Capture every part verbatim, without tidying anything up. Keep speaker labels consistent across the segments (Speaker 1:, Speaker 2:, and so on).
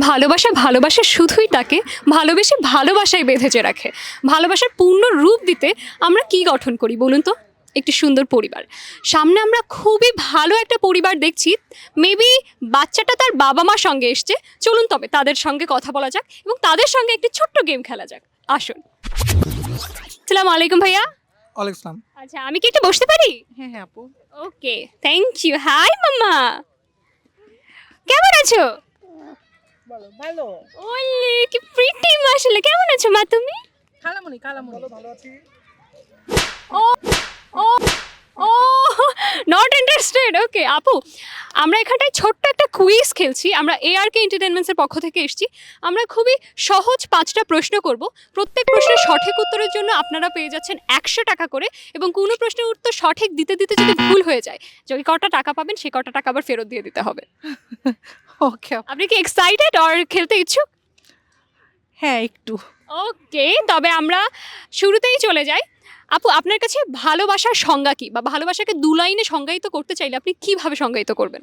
Speaker 1: ভালোবাসা ভালোবাসা শুধুই তাকে ভালোবেসে ভালোবাসায় বেঁধেছে রাখে। ভালোবাসার পূর্ণ রূপ দিতে আমরা কি গঠন করি বলুন তো? একটি সুন্দর পরিবার। সামনে আমরা খুবই ভালো একটা পরিবার দেখছি। মেবি বাচ্চাটা তার বাবা মার সঙ্গে এসছে। চলুন তবে তাদের সঙ্গে কথা বলা যাক এবং তাদের সঙ্গে একটি ছোট্ট গেম খেলা যাক। আসুন। আসসালামু আলাইকুম ভাইয়া।
Speaker 2: ওয়ালাইকুম আসসালাম।
Speaker 1: আচ্ছা, আমি কি একটু বসতে পারি?
Speaker 2: হ্যাঁ হ্যাঁ আপু।
Speaker 1: Okay, thank you. Hi mamma, কেমন আছো?
Speaker 2: ভালো ভালো।
Speaker 1: ওলে কি প্রিটি মাশাআল্লাহ। কেমন আছো মা তুমি?
Speaker 2: খালামণি খালামণি ভালো আছি।
Speaker 1: ও ও ও নট ইন্টারেস্টেড। ওকে আপু, আমরা এখানটায় ছোট্ট একটা কুইজ খেলছি। আমরা এআরকে এন্টারটেনমেন্টসের পক্ষ থেকে এসেছি। আমরা খুবই সহজ পাঁচটা প্রশ্ন করব। প্রত্যেক প্রশ্নের সঠিক উত্তরের জন্য আপনারা পেয়ে যাচ্ছেন একশো টাকা করে, এবং কোনো প্রশ্নের উত্তর সঠিক দিতে দিতে যদি ভুল হয়ে যায়, যদি কটা টাকা পাবেন সেই কটা টাকা আবার ফেরত দিয়ে দিতে হবে।
Speaker 2: ওকে
Speaker 1: আপনি কি এক্সাইটেড আর খেলতে ইচ্ছুক?
Speaker 2: হ্যাঁ একটু।
Speaker 1: ওকে, তবে আমরা শুরুতেই চলে যাই। আপু, আপনার কাছে ভালোবাসার সংজ্ঞা কি, বা ভালোবাসাকে দু লাইনে সংজ্ঞায়িত করতে চাইলে আপনি কিভাবে সংজ্ঞায়িত করবেন?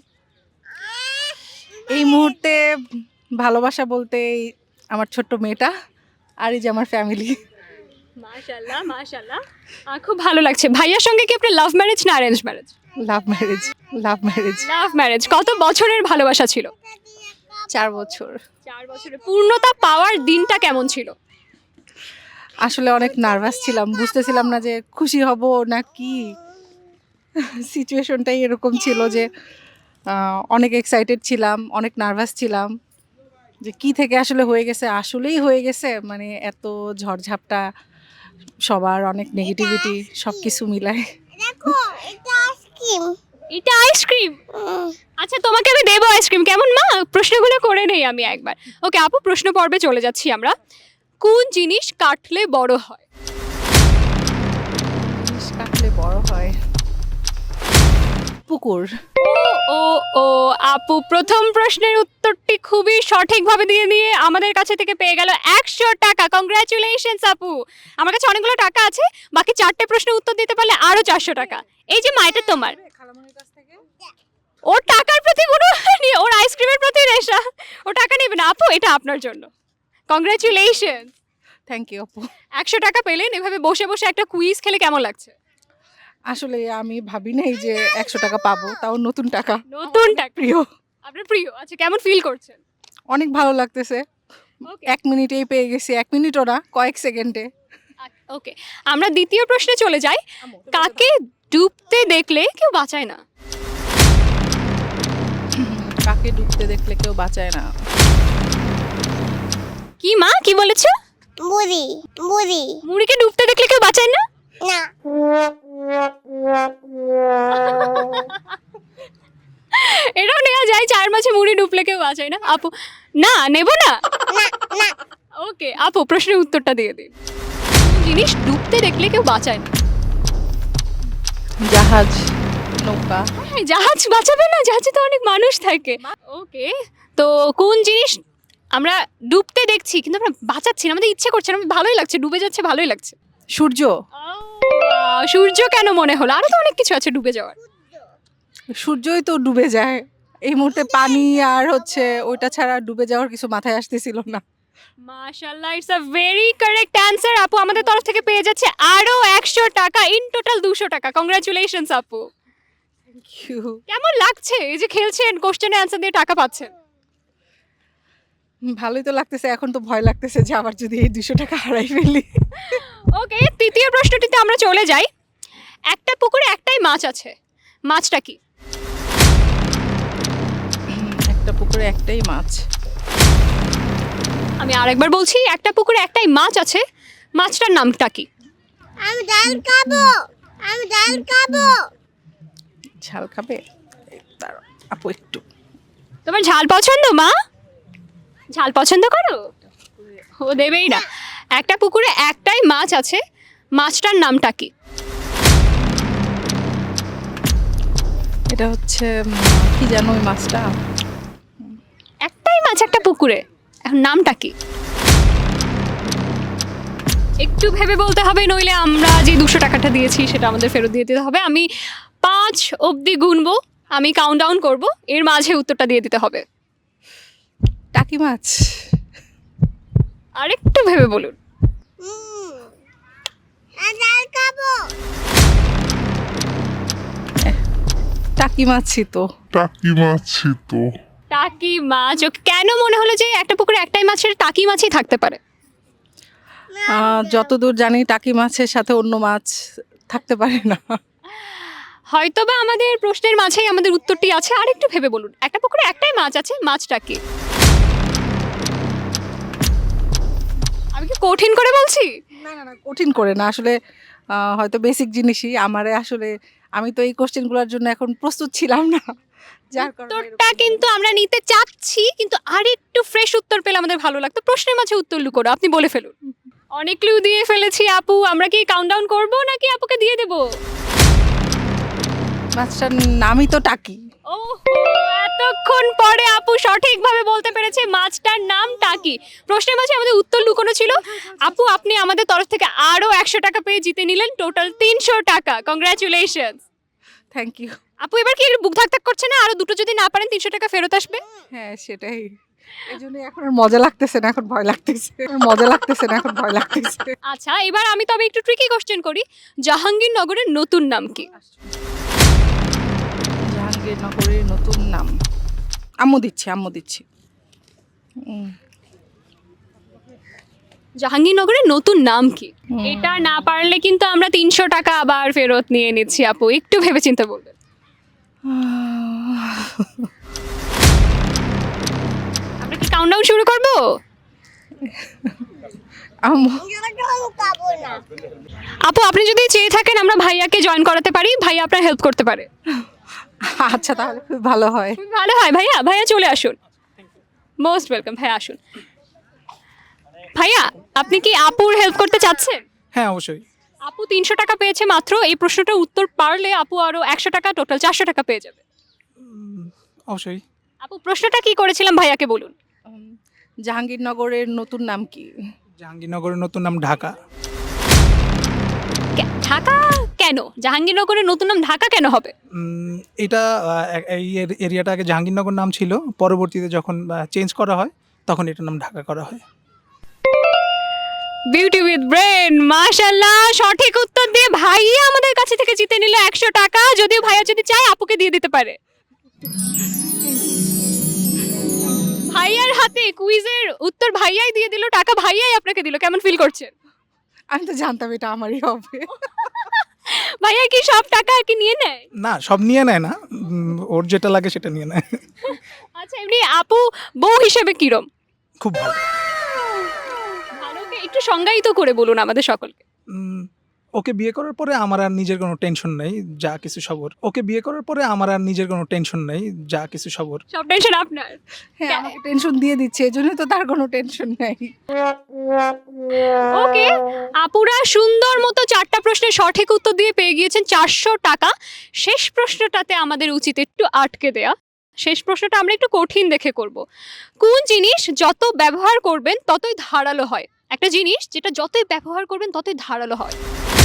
Speaker 2: এই মুহূর্তে ভালোবাসা বলতে এই আমার ছোট্ট মেয়েটা আর এই যে আমার ফ্যামিলি।
Speaker 1: মাশাআল্লাহ মাশাআল্লাহ, খুব ভালো লাগছে। ভাইয়ার সঙ্গে কি আপনার লাভ ম্যারেজ না arrange marriage?
Speaker 2: Love marriage. Love marriage.
Speaker 1: Love marriage. কত বছরের ভালোবাসা ছিল?
Speaker 2: চার বছর।
Speaker 1: চার বছরের। পূর্ণতা পাওয়ার দিনটা কেমন ছিল?
Speaker 2: আসলে অনেক নার্ভাস ছিলাম, বুঝতেছিলাম না যে খুশি হব না কি। সিচুয়েশনটাই এরকম ছিল যে আহ, অনেক এক্সাইটেড ছিলাম, অনেক নার্ভাস ছিলাম যে কি থেকে আসলে হয়ে গেছে, আসলেই হয়ে গেছে। মানে এত ঝড়ঝাপটা, সবার অনেক নেগেটিভিটি, সব কিছু মিলায়।
Speaker 3: দেখো এটা আইসক্রিম।
Speaker 1: এটা আইসক্রিম। আচ্ছা, তোমাকে আমি দেবো আইসক্রিম, কেমন মা? প্রশ্নগুলো করে নেই আমি একবার। ওকে আপু, প্রশ্ন পর্বে চলে যাচ্ছি আমরা। কোন জিনিস কাটলে বড় হয়?
Speaker 2: জিনিস কাটলে বড় হয়। পুকুর।
Speaker 1: ও ও ও আপু, প্রথম প্রশ্নের উত্তরটি খুবই সঠিকভাবে দিয়ে দিয়ে আমাদের কাছে থেকে পেয়ে গেল একশো টাকা। কংগ্রাচুলেশনস আপু। আমার কাছে অনেকগুলো টাকা আছে, বাকি চারটে প্রশ্নের উত্তর দিতে পারলে আরো চারশো টাকা। এই যে মা, এটা তোমার। ওর টাকার প্রতি কোনো নেই, ওর আইসক্রিমের প্রতি নেশা, ও টাকা নেবে না। আপু, এটা আপনার জন্য। কংগ্রাচুলেশন।
Speaker 2: থ্যাংক ইউ আপু।
Speaker 1: একশো টাকা পেলেন। এভাবে বসে বসে একটা কুইজ খেলে কেমন লাগছে?
Speaker 2: আসলে আমি ভাবি নাই যে একশো টাকা পাবো, তাও নতুন টাকা।
Speaker 1: নতুন টাকা।
Speaker 2: প্রিয়।
Speaker 1: আপনার প্রিয়। আচ্ছা, কেমন ফিল করছেন?
Speaker 2: অনেক ভালো লাগতেছে।
Speaker 1: ওকে
Speaker 2: এক মিনিটেই পেয়ে গেছি, এক মিনিটও না, কয়েক সেকেন্ডে।
Speaker 1: ওকে, আমরা দ্বিতীয় প্রশ্নে চলে যাই। কাকে ডুবতে দেখলে কেউ বাঁচায় না?
Speaker 2: কাকে ডুবতে দেখলে কেউ বাঁচায় না।
Speaker 1: কি মা, কি বলেছো?
Speaker 3: বুড়ি বুড়ি
Speaker 1: মুড়িকে ডুবতে দেখলে কেউ বাঁচায় না?
Speaker 3: না
Speaker 1: এটাও নেওয়া যায়, চার মাসে মুড়ি ডুবলে কেউ বাঁচায় না। আপু, না নেব না।
Speaker 3: না না
Speaker 1: ওকে আপু, প্রশ্নের উত্তরটা দিয়ে দিন। কোন জিনিস ডুবতে দেখলে কেউ বাঁচায় না?
Speaker 2: জাহাজ, নৌকা।
Speaker 1: হ্যাঁ, জাহাজ বাঁচাবে না? জাহাজে তো অনেক মানুষ থাকে। ওকে, তো কোন জিনিস আমরা ডুবতে দেখছি কিন্তু আমরা বাঁচাচ্ছি না, আমাদের ইচ্ছে করছে না, আমাদের ভালোই লাগছে, ডুবে যাচ্ছে, ভালোই লাগছে।
Speaker 2: সূর্য।
Speaker 1: আহ, সূর্য কেন মনে হলো? আরো তো অনেক কিছু আছে ডুবে যাওয়ার।
Speaker 2: সূর্যই তো ডুবে যায়। এই মুহূর্তে পানি আর হচ্ছে ওইটা ছাড়া ডুবে যাওয়ার কিছু মাথায় আসতেছিল না।
Speaker 1: মাশাআল্লাহ, it's a very correct answer. আপু আমাদের তরফ থেকে পেয়ে যাচ্ছে আরো একশো টাকা, ইন টোটাল দুশো টাকা। কংগ্রাচুলেশনস আপু।
Speaker 2: Thank you.
Speaker 1: কেমন লাগছে এই যে খেলছেন, কোশ্চেনে অ্যান্সার দিয়ে টাকা পাচ্ছেন?
Speaker 2: ভালোই তো লাগতেছে, এখন তো ভয় লাগতেছে যে আবার যদি এই দুশো টাকা হারাই ফেলি।
Speaker 1: ওকে, তৃতীয় প্রশ্নটিতে আমরা চলে যাই। একটা পুকুরে একটাই মাছ আছে, মাছটা কি?
Speaker 2: একটা পুকুরে একটাই মাছ।
Speaker 1: আমি আরেকবার বলছি, একটা পুকুরে একটাই মাছ আছে, মাছটার নামটা কি?
Speaker 3: আমি ডাল খাবো আমি ডাল খাবো
Speaker 2: ঝাল খাবে? এই দাঁড়াও, আপু একটু।
Speaker 1: তোমার ঝাল পছন্দ মা? ঝাল পছন্দ করো? ও দেবেই না। একটা পুকুরে একটাই মাছ আছে, মাছটার নামটা কি?
Speaker 2: এটা হচ্ছে উম, কি জানো ওই মাছটা?
Speaker 1: একটাই মাছ একটা পুকুরে, এখন নামটা কি? একটু ভেবে বলতে হবে, নইলে আমরা যে দুশো টাকাটা দিয়েছি সেটা আমাদের ফেরত দিয়ে দিতে হবে। আমি পাঁচ অবধি গুনবো, আমি কাউন্ট ডাউন করবো, এর মাঝে উত্তরটা দিয়ে দিতে হবে।
Speaker 2: টাকি মাছ।
Speaker 1: আরেকটু ভেবে বলুন।
Speaker 3: হুম আমি ডাল খাবো
Speaker 2: টাকি মাছই তো।
Speaker 4: টাকি মাছি তো
Speaker 1: টাকি মাছ। ও, কেন মনে হলো যে একটা পুকুরে একটাই মাছের টাকি মাছই থাকতে পারে?
Speaker 2: আহ, যতদূর জানি টাকি মাছের সাথে অন্য মাছ থাকতে পারে না।
Speaker 1: হয়তোবা আমাদের প্রশ্নের মাঝেই আমাদের উত্তরটি আছে। আরেকটু ভেবে বলুন, একটা পুকুরে একটাই মাছ আছে, মাছটা কি? আমি কি কঠিন করে বলছি?
Speaker 2: না না না কঠিন করে না আসলে, আহ, হয়তো বেসিক জিনিসই আমারে আসলে, আমি তো এই কোশ্চেনগুলোর জন্য এখন প্রস্তুত ছিলাম না, যার কারণে
Speaker 1: উত্তরটা
Speaker 2: এরকম
Speaker 1: কিন্তু আমরা নিতে চাচ্ছি, কিন্তু আরেকটু ফ্রেশ উত্তর পেলে আমাদের ভালো লাগতো। প্রশ্নের মাঝে উত্তর লুকোনো, আপনি বলে ফেলুন। অনেক ক্লু দিয়ে ফেলেছি আপু, আমরা কি কাউন্টডাউন করব নাকি আপুকে দিয়ে দেব?
Speaker 2: মাছটার নামই তো টাকি।
Speaker 1: ওহো, এতক্ষণ পরে আপু সঠিকভাবে বলতে পেরেছে মাছটার নাম টাকি। প্রশ্নের মাঝে আমাদের উত্তর লুকোনো ছিল। আপু, আপনি আমাদের তরফ থেকে আরো একশো টাকা পেয়ে জিতে নিলেন টোটাল তিনশো টাকা। Congratulation
Speaker 2: thank you.
Speaker 1: আপু। এবার কি বুক ধাক ধাক করছে না? আরো দুটো যদি না পারেন তিনশো টাকা ফেরত আসবে।
Speaker 2: হ্যাঁ সেটাই, এই জন্য এখন আর মজা লাগতেছে না, এখন ভয় লাগতেছে। মজা লাগতেছে না, এখন ভয় লাগতেছে।
Speaker 1: আচ্ছা, এবার আমি তবে একটু ট্রিকি কোশ্চেন করি। জাহাঙ্গীরনগরের নতুন নাম কি?
Speaker 2: জাহাঙ্গীরনগরের নতুন নাম, আম্মু দিচ্ছি আম্মু দিচ্ছি উম,
Speaker 1: জাহাঙ্গীরনগরের নতুন নাম কি?
Speaker 2: হুম।
Speaker 1: এটা না পারলে কিন্তু আমরা তিনশো টাকা আবার ফেরত নিয়ে নিচ্ছি। আপু একটু ভেবেচিন্তে বলবেন। আমরা কি কাউন্টডাউন শুরু করব?
Speaker 2: আম্মু
Speaker 3: ডাল খাবো না
Speaker 1: আপু, আপনি যদি চেয়ে থাকেন আমরা ভাইয়াকে জয়েন করাতে পারি, ভাইয়া আপনার হেল্প করতে পারে।
Speaker 2: আচ্ছা তাহলে খুব ভালো হয়।
Speaker 1: খুব ভালো হয়। ভাইয়া, ভাইয়া চলে আসুন। Most welcome. ভাইয়া আসুন। ভাইয়া, আপনি কি আপুর হেল্প করতে চাচ্ছেন?
Speaker 5: হ্যাঁ অবশ্যই।
Speaker 1: আপু তিনশো টাকা পেয়েছে মাত্র। এই প্রশ্নটার উত্তর পারলে আপু আরো একশো টাকা, টোটাল চারশো টাকা পেয়ে যাবে।
Speaker 5: অবশ্যই।
Speaker 1: আপু, প্রশ্নটা কি করেছিলাম ভাইয়াকে বলুন।
Speaker 2: উম, জাহাঙ্গীরনগরের নতুন নাম কি?
Speaker 5: জাহাঙ্গীরনগরের নতুন নাম ঢাকা।
Speaker 1: কে- ঢাকা কেন? জাহাঙ্গীরনগরের নতুন নাম ঢাকা কেন হবে?
Speaker 5: উম, এটা আহ, এ- এই এর- এরিয়াটা আগে জাহাঙ্গীরনগর নাম ছিল, পরবর্তীতে যখন চেঞ্জ করা হয় তখন এটার নাম ঢাকা করা হয়।
Speaker 1: বিউটি উইথ ব্রেন, মাশাআল্লাহ, সঠিক উত্তর দিয়ে ভাইয়া আমাদের কাছে থেকে জিতে নিল একশো টাকা। যদিও ভাইয়া যদি চায় আপুকে দিয়ে দিতে পারে। ভাইয়ার হাতে কুইজের উত্তর ভাইয়াই দিয়ে দিল, টাকা ভাইয়াই আপনাকে দিল। কেমন ফিল করছেন?
Speaker 2: আমি তো জানতাম এটা আমারই হবে।
Speaker 1: ভাইয়া কি সব টাকা কি নিয়ে নেয়?
Speaker 5: না, সব নিয়ে নেয় না, উম, ওর যেটা লাগে সেটা নিয়ে নেয়।
Speaker 1: আচ্ছা, এমনি আপু বউ হিসেবে কিরম?
Speaker 5: খুব ভালো।
Speaker 1: ভালোকে একটু সংজ্ঞায়িত করে বলুন আমাদের সকলকে।
Speaker 5: উম, ওকে বিয়ে করার পরে আমার আর নিজের কোনো টেনশন নেই, যা কিছু সবর। ওকে বিয়ে করার পরে আমার আর নিজের কোনো টেনশন নেই, যা কিছু সবর।
Speaker 1: সব টেনশন আপনার।
Speaker 2: হ্যাঁ আমাকে টেনশন দিয়ে দিচ্ছে, এই জন্যই তো তার কোনো টেনশন নেই।
Speaker 1: ওকে, আপুরা সুন্দর মতো চারটা প্রশ্নের সঠিক উত্তর দিয়ে পেয়ে গিয়েছেন চারশো টাকা। শেষ প্রশ্নটাতে আমাদের উচিত একটু আটকে দেয়া। শেষ প্রশ্নটা আমরা একটু কঠিন দেখে করব। কোন জিনিস যত ব্যবহার করবেন ততই ধারালো হয়? একটা জিনিস যেটা যতই ব্যবহার করবেন ততই ধারালো হয়।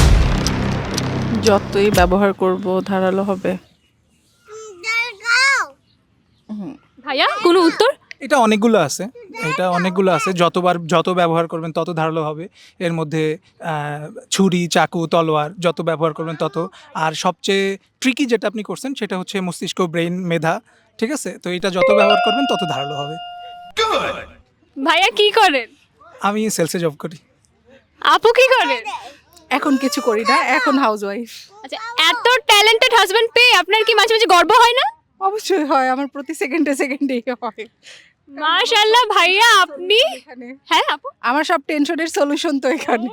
Speaker 2: যতই ব্যবহার করব ধারালো হবে।
Speaker 3: ডাল খাও
Speaker 2: হুম,
Speaker 1: ভাইয়া, কোনো উত্তর?
Speaker 5: এটা অনেকগুলো আছে, এটা অনেকগুলো আছে। যতবার যত ব্যবহার করবেন তত ধারালো হবে। এর মধ্যে আহ, ছুরি, চাকু, তলোয়ার যত ব্যবহার করবেন তত। আর সবচেয়ে ট্রিকি যেটা আপনি করছেন সেটা হচ্ছে মস্তিষ্ক, ব্রেইন, মেধা। ঠিক আছে, তো এটা যত ব্যবহার করবেন তত ধারালো হবে।
Speaker 1: ভাইয়া কি করেন?
Speaker 5: আমি সেলসে জব করি।
Speaker 1: আপু কি করেন?
Speaker 2: এখন কিছু করি না, এখন হাউস ওয়াইফ।
Speaker 1: আচ্ছা, এত ট্যালেন্টেড হাজবেন্ড পেয়ে আপনার কি মাঝে মাঝে গর্ব হয় না?
Speaker 2: অবশ্যই হয়, আমার প্রতি সেকেন্ডে সেকেন্ডেই হয়।
Speaker 1: মাশাআল্লাহ ভাইয়া, আপনি।
Speaker 2: এখানে
Speaker 1: হ্যাঁ আপু।
Speaker 2: আমার সব টেনশনের সলিউশন তো এখানে।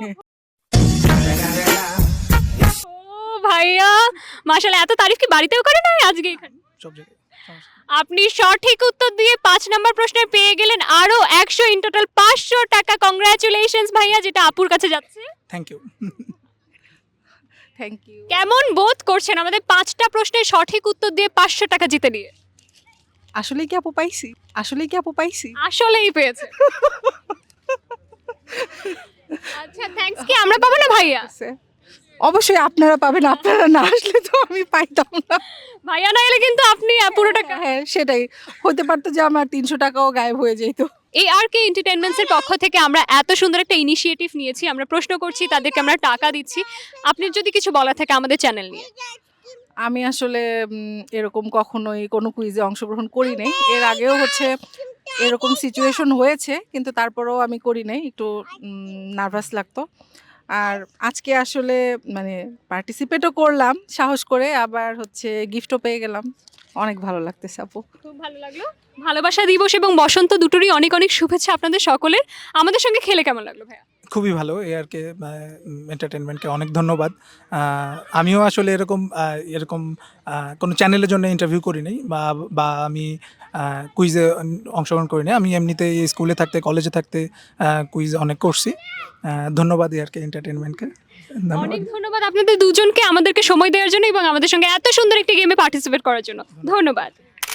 Speaker 1: ও ভাইয়া, মাশাআল্লাহ, এত তারিফ কি বাড়িতেও করে না আজকে এখানে?
Speaker 5: সব জায়গায় সমস্যা নেই।
Speaker 1: আপনি সঠিক উত্তর দিয়ে পাঁচ নম্বর প্রশ্নে পেয়ে গেলেন আরো একশো, ইন টোটাল পাঁচশো টাকা। কংগ্রাচুলেশনস ভাইয়া, যেটা আপুর কাছে যাচ্ছে।
Speaker 5: Thank you.
Speaker 2: Thank you.
Speaker 1: কেমন বোধ করছেন আমাদের পাঁচটা প্রশ্নের সঠিক উত্তর দিয়ে পাঁচশো টাকা জিতে নিয়ে?
Speaker 2: আসলেই কি আপু পাইছি? আসলেই কি আপু পাইছি?
Speaker 1: আসলেই পেয়েছে। আচ্ছা, থ্যাঙ্কস কি আমরা পাবো না ভাইয়া?
Speaker 2: অবশ্যই আপনারা পাবেন, আপনারা না আসলে তো আমি পাইতাম না।
Speaker 1: ভাইয়া না এলে কিন্তু আপনি আহ, পুরো টাকা
Speaker 2: হ্যাঁ সেটাই, হতে পারতো যে আমার তিনশো টাকাও গায়েব হয়ে যেত।
Speaker 1: এই আর কে এন্টারটেনমেন্টসের পক্ষ থেকে আমরা এত সুন্দর একটা ইনিশিয়েটিভ নিয়েছি, আমরা প্রশ্ন করছি, তাদেরকে আমরা টাকা দিচ্ছি। আপনি যদি কিছু বলা থাকে আমাদের চ্যানেল নিয়ে।
Speaker 2: আমি আসলে উম, এরকম কখনোই কোনো কুইজে অংশগ্রহণ করি নাই। এর আগেও হচ্ছে এরকম সিচুয়েশন হয়েছে, কিন্তু তারপরেও আমি করি নাই, একটু নার্ভাস লাগতো। আর আজকে আসলে মানে পার্টিসিপেটও করলাম সাহস করে, আবার হচ্ছে গিফটও পেয়ে গেলাম, অনেক ভালো লাগতেছে আপু।
Speaker 1: খুব ভালো লাগলো। ভালোবাসা দিবস এবং বসন্ত দুটোরই অনেক অনেক শুভেচ্ছা আপনাদের সকলের। আমাদের সঙ্গে খেলে কেমন লাগলো ভাইয়া?
Speaker 5: খুবই ভালো। এ আর কে এন্টারটেনমেন্টকে অনেক ধন্যবাদ। আহ, আমিও আসলে এরকম আহ, এরকম আহ, কোনো চ্যানেলের জন্য ইন্টারভিউ করি নাই, বা বা আমি কুইজে অংশগ্রহণ করি নাই। আমি এমনিতে স্কুলে থাকতে কলেজে থাকতে কুইজ অনেক করছি। আহ, ধন্যবাদ এ আর কে এন্টারটেনমেন্টকে, ধন্যবাদ।
Speaker 1: অনেক ধন্যবাদ আপনাদের দুজনকে আমাদেরকে সময় দেওয়ার জন্য এবং আমাদের সঙ্গে এত সুন্দর একটি গেমে পার্টিসিপেট করার জন্য। ধন্যবাদ।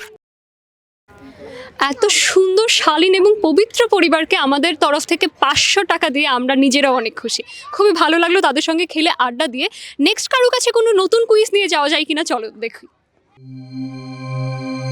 Speaker 1: এত সুন্দর শালীন এবং পবিত্র পরিবারকে আমাদের তরফ থেকে পাঁচশো টাকা দিয়ে আমরা নিজেরাও অনেক খুশি। খুবই ভালো লাগলো তাদের সঙ্গে খেলে, আড্ডা দিয়ে। নেক্সট কারো কাছে কোনো নতুন কুইজ নিয়ে যাওয়া যায় কিনা, চলো দেখি।